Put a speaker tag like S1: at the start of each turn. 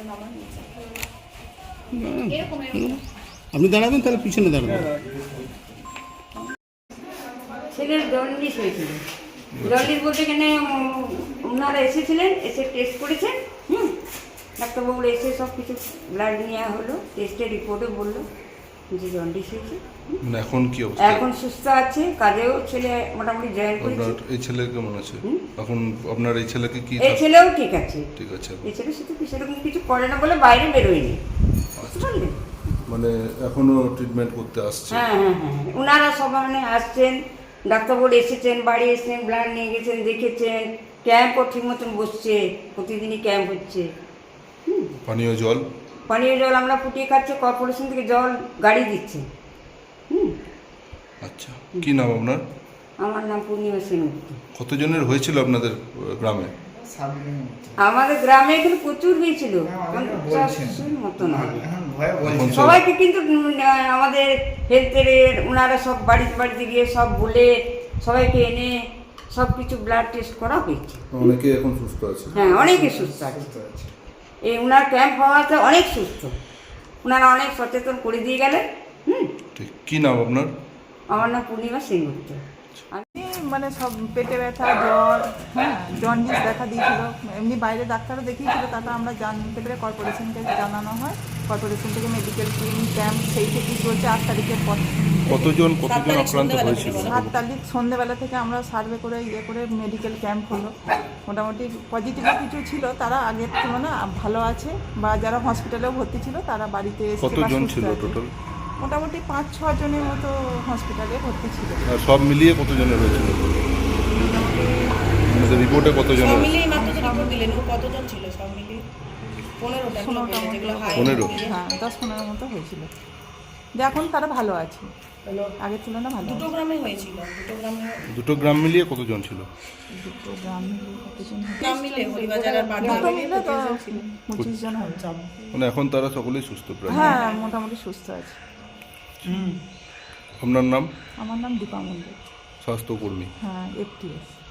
S1: আপনি দাঁড়াবেন, তাহলে পিছনে দাঁড়াবেন।
S2: ছেলের জন্ডিস হয়েছিল। জন্ডিস বলতে এখানে ওনারা এসেছিলেন, এসে টেস্ট করেছেন। ডাক্তারবাবু এসে সব কিছু ব্লাড নেওয়া হলো, টেস্টের রিপোর্টে বললো যে জন্ডিস হয়েছে।
S3: মানে এখন কি অবস্থা?
S2: এখন সুস্থ আছে, কাজেও ছেলে মোটামুটি জয়েন করেছে।
S3: আপনার এই ছেলে কেমন আছে এখন? আপনার এই ছেলেকে কি?
S2: এই ছেলেও ঠিক আছে।
S3: ঠিক আছে।
S2: এই ছেলে শুধু সেরকম কিছু করে না বলে বাইরে বেরোয়নি, বুঝতে পারলেন?
S3: মানে এখনো ট্রিটমেন্ট করতে আসছে?
S2: হ্যাঁ হ্যাঁ হ্যাঁ, ওনারা সব মানে আসছেন, ডাক্তারবাবু এসেছেন, বাড়ি এসেছেন, ব্লাড নিয়ে গেছেন, দেখেছেন। ক্যাম্পও ঠিক মতন বসছে, প্রতিদিনই ক্যাম্প হচ্ছে।
S3: পানীয় জল?
S2: পানীয় জল আমরা ফুটিয়ে খাচ্ছি, কর্পোরেশন থেকে জল গাড়ি দিচ্ছে।
S3: আচ্ছা, কি নাম আপনার?
S2: আমার নাম পূর্ণিমা সেনগুপ্ত।
S3: কতজনের হয়েছিল আপনাদের গ্রামে?
S2: আমাদের গ্রামে এখানে প্রচুর হয়েছিল, 50-এর মতন হবে।
S3: এখন সব
S2: সবাইকে কিন্তু আমাদের হেলথের ওনারা সব বাড়িতে বাড়িতে গিয়ে সব বলে সবাইকে এনে সব কিছু ব্লাড টেস্ট করা হয়েছে।
S3: অনেকে এখন সুস্থ আছে?
S2: হ্যাঁ, অনেকে সুস্থ আছে। এই ওনার ক্যাম্প হওয়াতে অনেক সুস্থ, ওনারা অনেক সচেতন করে দিয়ে গেলেন।
S3: ঠিক, কি নাম আপনার?
S2: আমার নাম পূর্ণিমা সেনগুপ্ত।
S4: মানে সব পেটে ব্যথা, জ্বর, হ্যাঁ, জন্ডিস দেখা দিয়েছিল। এমনি বাইরে ডাক্তারও দেখিয়েছিল, তারপর আমরা জানতে পেরে কর্পোরেশনকে জানানো হয়। কর্পোরেশন থেকে মেডিকেল টিম ক্যাম্প সেই থেকেই চলছে 8 তারিখের পর।
S3: কতজন আক্রান্ত হয়েছিল?
S4: 7 তারিখ সন্ধ্যেবেলা থেকে আমরা সার্ভে করে করে মেডিকেল ক্যাম্প হলো। মোটামুটি পজিটিভও কিছু ছিল, তারা আগের তুলনায় ভালো আছে, বা যারা হসপিটালেও ভর্তি ছিল তারা বাড়িতে এসে
S3: কতজন ছিল টোটাল?
S4: মোটামুটি 5-6 জনের মতো হসপিটালে ভর্তি ছিল।
S3: আর সব মিলিয়ে কতজনের হয়েছিল? আমাদের রিপোর্টে কতজন?
S5: সব মিলিয়ে মাত্র তো রিপোর্ট দিলেন, কতজন ছিল সব মিলিয়ে? 15টা যেগুলো হাই।
S3: 15?
S4: হ্যাঁ, 10-15 মতো হয়েছিল। যে এখন তারা ভালো আছে, আগের তুলনায় ভালো।
S5: দুটো গ্রামে হয়েছিল,
S3: দুটো গ্রাম মিলিয়ে কতজন ছিল?
S4: দুটো গ্রাম মিলিয়ে কতজন?
S5: গ্রাম মিলে হরিবাজার আর
S4: দুটো
S5: বাগদা
S4: মিলে তো 25 জন হয়েছে।
S3: মানে এখন তারা সকলেই সুস্থ প্রায়?
S4: হ্যাঁ, মোটামুটি সুস্থ আছে।
S3: আপনার নাম?
S4: আমার নাম দীপা মন্ডল।
S3: স্বাস্থ্যকর্মী?
S4: হ্যাঁ, FTS।